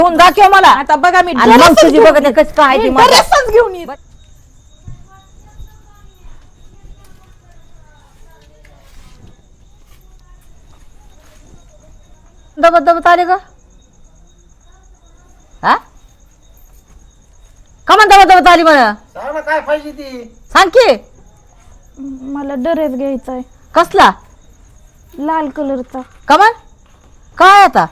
घेऊन दाखव मला आता बघा मी आणि मग तुझी बघ कसं काय ती मला ड्रेसच घेऊन येत. दबत दबत आले का हा कमान दबत दबत आली मला सांग ना काय पाहिजे ती. सांग की मला ड्रेस घ्यायचा आहे कसला लाल कलरचा. कमान काय आता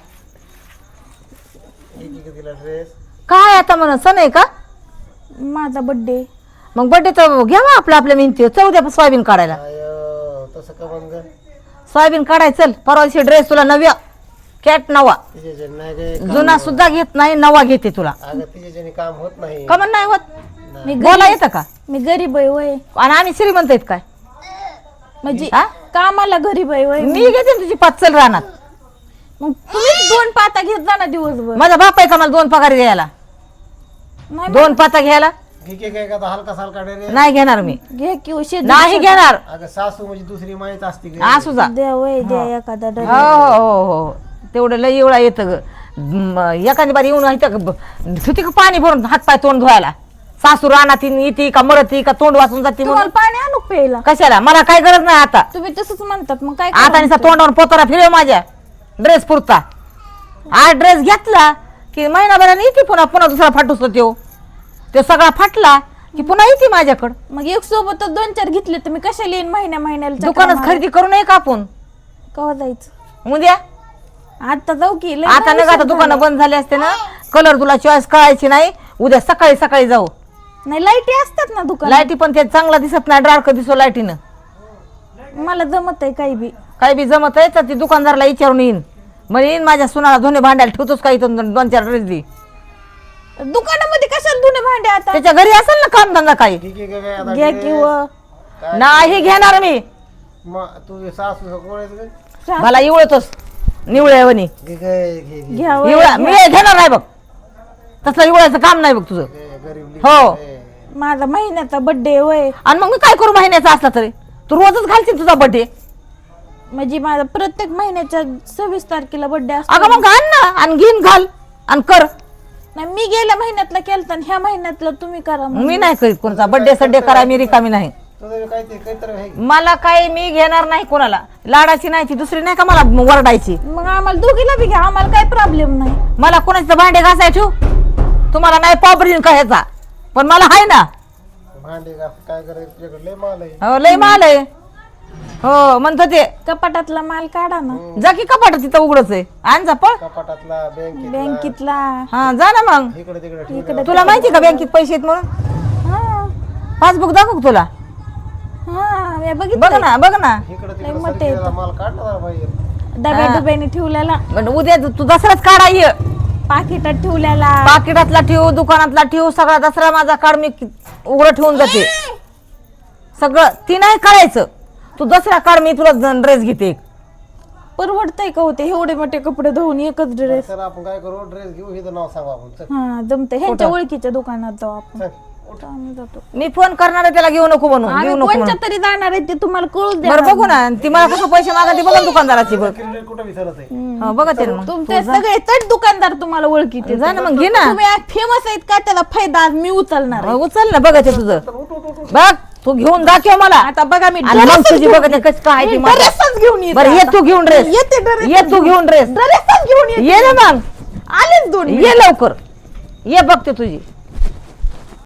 तिला ड्रेस काय आता म्हणा सण आहे का माझा बर्थडे. मग बड्डे तर घ्यावा आपल्या आपल्या मेहनती चौद्या सोयाबीन काढायला तसं का बंद सोयाबीन काढाय चल परवा दिवशी ड्रेस तुला नव्या कॅट नवा तिच्या नाही गे जुना सुद्धा घेत नाही नवा घेते तुला अगं तिच्याने काम होत नाही. कमान नाही होत मी बोला येतं का मी गरीब आहे वय आणि आम्ही श्रीमंत आहेत काय म्हणजे हा? कामाला गरीब आहे वय. मी घेते ना तुझी पाचल राहणार मग तुम्ही 2 पाता घेत जा ना दिवसभर. माझा बाप आहे का मला 2 पगार द्यायला नाही 2 पाता घ्यायला घे काय का हलका सालका ड्रेस नाही घेणार मी घे की शेत नाही घेणार अगं सासू म्हणजे दुसरी माहीत असते ग. असू जा द्या वय द्या एखादा हो ड्रेस. हो हो तेवढं लई एवढा येतं ग एखादी बारी येऊन ठेवते का पाणी भरून हातपाय तोंड धुवायला सासू रानात येते का मरती का तोंड वाचून जाते तुम्हाला म्हणून पाणी आणू प्यायला. कशाला मला काय गरज नाही आता तुम्ही तसंच म्हणतात मग काय आता करायचं? निसा तोंडावर पोतारा फिरव माझ्या ड्रेस पुरता हा ड्रेस घेतला की महिनाभराने येते पुन्हा पुन्हा दुसरा फाटूस तो सगळा फाटला की पुन्हा येते माझ्याकडं मग एक सोबतच 2-4 घेतले तर मी कशाला येईन महिन्याला दुकानात खरेदी करू नये का आपण कवा जायचं उद्या आता जाऊ की लय आता नाही नका आता दुकानं बंद झाले असते ना कलर तुला चॉईस कळायची नाही उद्या सकाळी सकाळी जाऊ नाही लाईटी असतात ना दुकान. लाईटी पण ते चांगला दिसत नाही डार्क दिसो लाईटीनं मला जमत आहे काही बी. काही बी जमत आहे तर ती दुकानदाराला विचारून येईन मग येईन माझ्या सुनाला धुणे भांड्याला ठेवतोच काही 2-4 ड्रेस दे दुकानामध्ये कशाला धुणे भांडे आता त्याच्या घरी असेल ना कामधंदा काही घे काय आता घ्या dress. किंवा काय नाही घेणार मी तू सासू कोण मला इवळतोस निवळ्यावणी घे काय घे घे घ्या इवळा मी घेणार नाही बघ तसलं इवळायचं काम नाही बघ तुझं गरीब हो माझा महिन्याचा बर्थडे वय आणि मग मी काय करू महिन्याचा असला तरी तू रोजच घालशील तुझा बर्थडे म्हणजे माझा प्रत्येक महिन्याच्या 26 तारखेला बर्थडे असतो. अगं मग आण ना आणि घेऊन घाल आणि कर नाही मी गेल्या महिन्यातला केलता आणि ह्या महिन्यातला तुम्ही करा मग. मी नाही करीत कोणता बर्थडे सड्डे करा मी रिकामी नाही तुझं काय ते काहीतरी आहे. मला काय मी घेणार नाही कोणाला लाडाची नाही ती दुसरी नाही का मला वरडायची मग आम्हाला दोघीला बी घ्या आम्हाला काही प्रॉब्लेम नाही. मला कोणाचं भांडे घासाय ठेवू तुम्हाला नाही पॉपरीन का ह्याचा पण मला आहे ना भांडे घास काय करायचं तुझ्याकडे लय माल आहे. हो लय माल आहे हो म्हणतो ते कपाटातला माल काढा ना. जा की कपाट तिथं उघडच आहे आण जा पळ कपाटातला बँकेतला हा जा ना मग इकडे तिकडे तुला माहिती का बँकेत पैसे आहेत म्हणून हा पासबुक दाखव तुला हा मी बघ बघितलं ना बघ ना इकडे लय तिकडे मोठे सरकीला माल काढला जरा बाहेर. डब्या डुब्याने ठेवलेला पण उद्या तू दसराच काढाय पाकिटात ठेवलेला पाकिटातला ठेवू दुकानातला ठेवू सगळा दसरा माझा काढ मी उघडं ठेवून जाते सगळं ती नाही काढायचं तू दसरा काढ मी तुला ड्रेस घेते परवडतंय का होते एवढे मोठे कपडे धुवून एकच ड्रेस. तर आपण काय करू ड्रेस घेऊ हे नाव सांगू आपण चल हा जमते ह्यांच्या ओळखीच्या दुकानात जाऊ आपण. चल. तर आम्ही जातो. मी फोन करणार आहे त्याला घेऊ नको म्हणून घेऊ आम्ही नको कोणच्या म्हणून तरी जाणार आहे ते तुम्हाला कळूच द्या. बरं बघू ना ती मला कसं पैसे मागते बघा दुकानदाराची बघ क्रेडिट कुठं विसरत आहे. हा, बघा ते ना मग तुमचे सगळे चट दुकानदार तुम्हाला ओळखीचे. जा ना मग घे ना तुम्ही फेमस आहेत का त्याला फायदा आज मी उचलणार आहे. उचल ना बघा ते तुझं बघ तू घेऊन दाखव मला आता बघा मी आणि मग तुझी बघा ते कसं काय ती मला. ड्रेसच घेऊन येते बरं ये आता. तू घेऊन ड्रेस येते ड्रेस ये तू घेऊन ड्रेस ड्रेसच घेऊन येते. ये ना मग आलेच दोन ये लवकर ये बघते तुझी